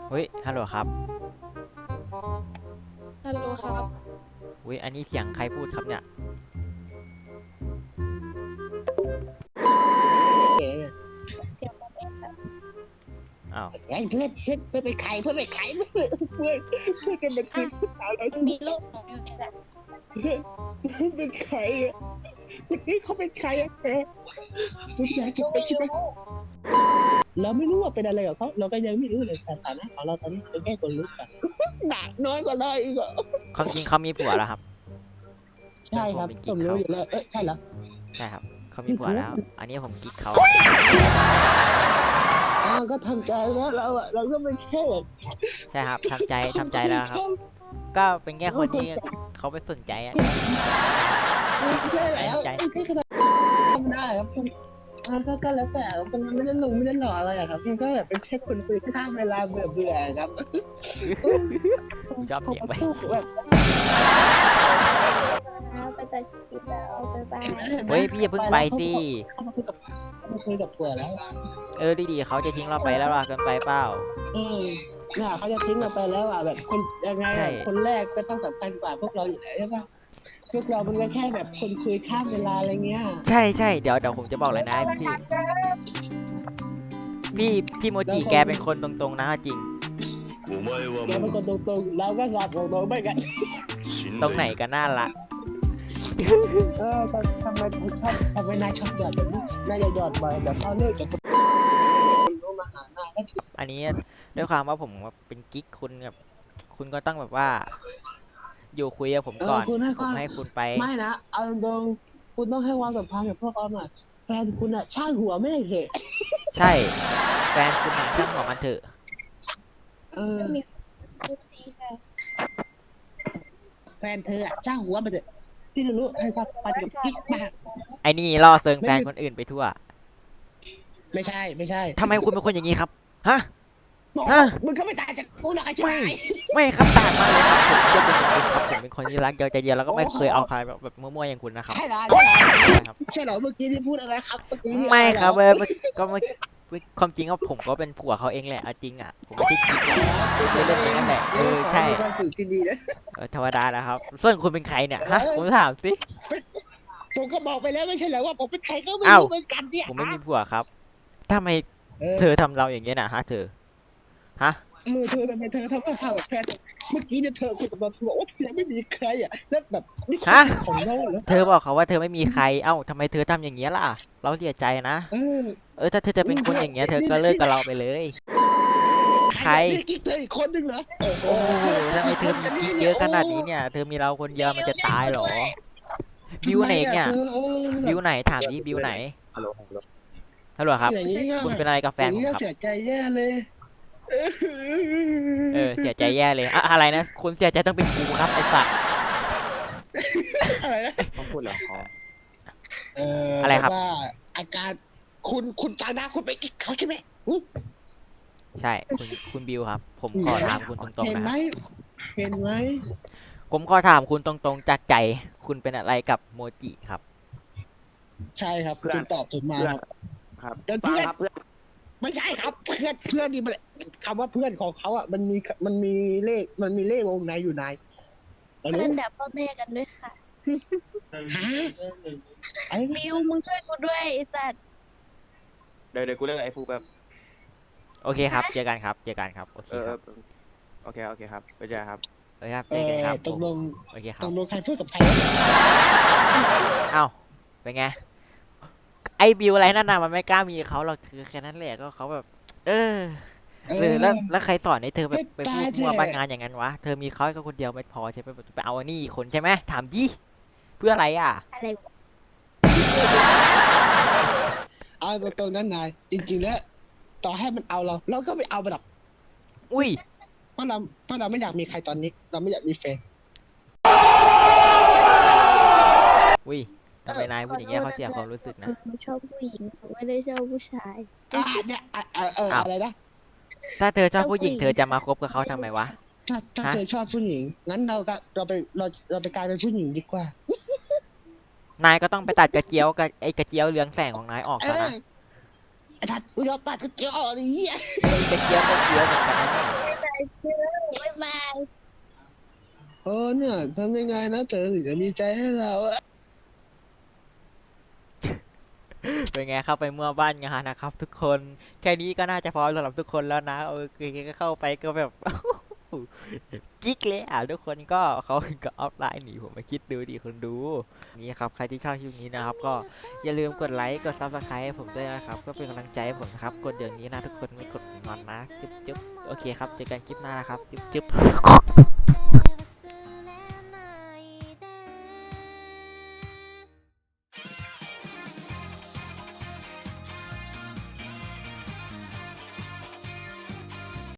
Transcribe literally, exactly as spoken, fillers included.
เฮ้ยฮัลโหลครับฮัลโหลครับอุ้ยอันนี้เสียงใครพูดครับเนี่ยเสียงผมเองครับอ้าวไอ้เพื่อนเพื่อนเพื่อนไปขายเพื่อนไปขายเพื่อนเพื่อนเพื่อนกันมาคืนสาวเรามันมีโลกของอยู่นี่แหละเป็นใครอ่ะคนนี้เขาเป็นใครอ่ะแกทุกอย่างคิดไปคิดไปเราไม่รู้ว่าเป็นอะไรกับเขาเราก็ยังไม่รู้เลยสถานะของเราตอนนี้เป็นแค่คนรู้กันหนักน้อยกว่าเราอีกอ่ะความจริงเขามีผัวแล้วครับใช่ครับผมรู้อยู่แล้วเอ้ยใช่เหรอใช่ครับเขามีผัวแล้ว อันนี้ผมกิ๊กเขาอ้าวก็ทำใจแล้วเราอ่ะเราก็ไม่แค่ใช่ครับทำใจทำใจแล้วครับ ก็เป็นแค่คนที่เขาไปฝึกใจอะไม่ใช่แล้วไม่ใช่ขนาดทำได้ครับคุณก็ก็แล้วแต่มันไม่ได้ลงไม่ได้หล่ออะไรอะครับมันก็แบบเป็นแค่คนคุยข้ามเวลาเบื่อเบื่อครับชอบเสียงไปไปจัดกินแล้วบ๊ายบายเฮ้ยพี่อย่าเพิ่งไปสิเขามาคุยกับเขามาคุยกับผัวแล้วเออดีๆเขาจะทิ้งเราไปแล้วล่ะเกินไปเปล่าอืมเนี่ยเขาจะทิ้งเราไปแล้วอ่ะแบบคนยังไงใช่คนแรกก็ต้องสำคัญกว่าพวกเราอยู่แล้วใช่ปะพวกเรามันก็แค่แบบคนคุยข้ามเวลาอะไรเงี้ยใช่ใช่เดี๋ยวเดี๋ยวผมจะบอกเลยนะพี่พี่พี่โมจิแกเป็นคนตรงๆนะจริงแกเป็นคนตรงๆเราก็กลับตรงๆไม่กันตรงไหนก็น่ารักเออทำไมถึงชอบทำไมนายชอบหยอดแบบนี้นายอย่าหยอดบ่อยแบบเขาเลิกจากคนรู้มาหานายก็ถืออันนี้ด้วยความว่าผมเป็นกิ๊กคุณแบบคุณก็ต้องแบบว่า อยู่คุยกับผมก่อนคุณให้ผมให้คุณไปไม่นะเอาตรงๆคุณต้องให้ความสัมพันธ์กับพวกเราหน่อยแฟนคุณอะช่างหัวไม่เถอะใช่แฟนคุณหาช่างหัวมันเถอะเออมีคุกจีค่ะแฟนเธออะช่างหัวมันเถอะที่รู้ให้ความสัมพันธ์กับกิ๊กมากไอ้นี่ล่อเซิงแฟนคนอื่นไปทั่วไม่ใช่ไม่ใช่ทำไมคุณเป็นคนอย่างนี้ครับฮะบอกฮะมึงก็ไม่ต่างจากกูหรอกไอ้ชาไม่ยไม่ครับต่างมากเลยครับผมจะเป็นคนครับผมเป็นคนที่รักเดียวใจเดียวแล้วก็ไม่เคยเอาใครแบบแบบมั่วๆอย่างคุณนะครับใช่เหรอใช่เหรอใช่ครับใช่เหรอเมื่อกี้ที่พูดอะไรครับเมื่อกี้ที่ไม่ครับอะเอไรอก็เมื่อความจริงก็ผมก็เป็นผัวเขาเองแหละเอาจริงอ่ะผมไม่ใช่กิ๊กอะเล่นๆอย่างนั้นแหละเออใช่มีความสุขที่ดีนะเออธรรมดานะครับส่วนคุณเป็นใครเนี่ยฮะผมถามสิผมก็บอกไปแล้วไม่ใช่เหรอว่าผมเป็นใครก็ไม่อ้าวรู้เหมือนกันเนี่ยผมไม่มีผัวครับทำไมเออเธอทำเราอย่างเงี้ยนะฮะเธอฮะเออเธอทำไมเธอทำกับข้าวกับแฟนเมื่อกี้เนี่ยเธอคุยกับเราเธอบอกว่าเธอยังไม่มีใครอ่ะแล้วแบบนี่ฮะของเราเหรอเธอบอกเขาว่าเธอไม่มีใครเอ้าทำไมเธอทำอย่างเงี้ยล่ะ เราเสียใจนะเออเออถ้าเธอจะเป็นคนอย่างเงี้ยเธอก็เลิกกับเราไปเลย ใครนี่กิ๊กเธออีกคนนึงเหรอโอ้โหโอ้โหทำไมเธอมีกิ๊กเยอะขนาดนี้เนี่ย เธอมีเราคนเดียวมันจะตายเหรอ บิวไหนเนี่ยทำไมอะเธอเออบิวไหนถามดิบิวไหนฮัลโหลฮัลโหลฮัลโหลครับอย่างนี้ก็คุณเป็นอะไรกับแฟนอย่างผมนี้ก็ครับเสียใจแย่เลยเออเสียใจแย่เลยอะอะไรนะ คุณเสียใจต้องเป็นกูครับไอ้สัตว์อะไรนะต้องพูดเหรออ๋อเอออะไรครับว่าอาการคุณคุณตาหน้าคุณไปกิ๊กเขาใช่ไหมอุ๊ยใช่คุณคุณบิวครับ ผมขอถามคุณตรงเห็ๆนนะไหคมรับเห็นไหมผมขอถามคุณตรงๆจากใจ คุณเป็นอะไรกับโมจิครับใช่ครับคุณตอบถูกมาครับครับเดี๋ยวฟัเพื่งอนครับเพื่อนไม่ใช่ครับเพื่อนเพื่อนนี่มันคำว่าเพื่อนของเขาอ่ะมันมีมันมีเลขมันมีเลขวงในอยู่ในเราเพื่รู้อนดับพ่อแม่กันด้วยค่ะฮะไอ้บิวมึงช่วยกูด้วยไอ้สัตว์เดี๋ยวเดี๋ยวกูเรียกไอ้ฟูแบบโอเคครับ เจอกันครับ เจอกันครับ โอเคเออคเอรัอบ โอเคโอเคครับไปเจอกันครับโอเคครับเอเจอกันครับอตกลงโอเคคตรับกลงใครพูดกับใครเอ้า เป็นไง ไอ้บิวอะไรนั่นน่ะมันไม่กล้ามีเขาหรอกคือแค่นั้นแหละก็เขาแบบ เออเอหรืออแล้วแล้วใครสอนให้เธอแบบไม่ไปพูดตายเถอะมัวบ้านงานอย่างนั้นวะ เธอมีเขาแค่คนเดียวไม่พอใช่ไหมแบบไปเอาอันนี้อีกคนใช่ไหมถามดิ เพื่ออะไรอ่ะอะไรวะเอาตรงๆนั้นนายจริงๆแล้วต่อให้มันเอาเรา เราก็ไม่เอามันหรอกอุ้ยเพราะเราเพราะเราไม่อยากมีใครตอนนี้ เราไม่อยากมีแฟนอุ้ยทำไมนายพูดอย่างเงี้ยเขาเสียความรู้สึกนะหนูชอบผู้หญิงหนูไม่ได้ชอบผู้ชายอ่ะเนี่ยอ่ะอ่ะเอออ้าวอะไรนะถ้าเธอชอบผู้หญิงเธอจะมาคบกับเขาทำไมวะถ้าถ้าฮะเธอชอบผู้หญิงงั้นเราก็เราไปเราเราไปกลายเป็นผู้หญิงดีกว่านายก็ต้องไปตัดกระเจียวกับไอ้กระเจียวเรืองแสงของนายออกเอซะอนะไอ้ทัดอุยเราตัดกระเจียวอะไรเงี้ยไอ้กระเจียวก็เจียวเหมือนกันนะเนี่ยไปเจอบ๊ายบายเออเนี่ยทำยังไงนะเธอถึงจะมีใจให้เราอะเป็นไงเข้าไปเมื่อบ้านงานนะครับ ทุกคนแค่นี้ก็น่าจะพร้อมสำหรับทุกคนแล้วนะเออก็เข้าไปก็แบบ กิ๊กเลยอ่ะทุกคนก็เขาก็ออฟไลน์หนีผมมาคิดดูดิคนดูนี่ครับใครที่ชอบคลิปนี้นะครับก็อย่าลืมกดไลค์กดซับสไครต์ให้ผมด้วยนะครับก็เป็นกำลังใจให้ผมนะครับกดเดี๋ยวนี้นะทุกคนไม่กดงอนนะจุ๊บจุ๊บโอเคครับเจอกันคลิปหน้านะครับจุ๊บจุ๊บ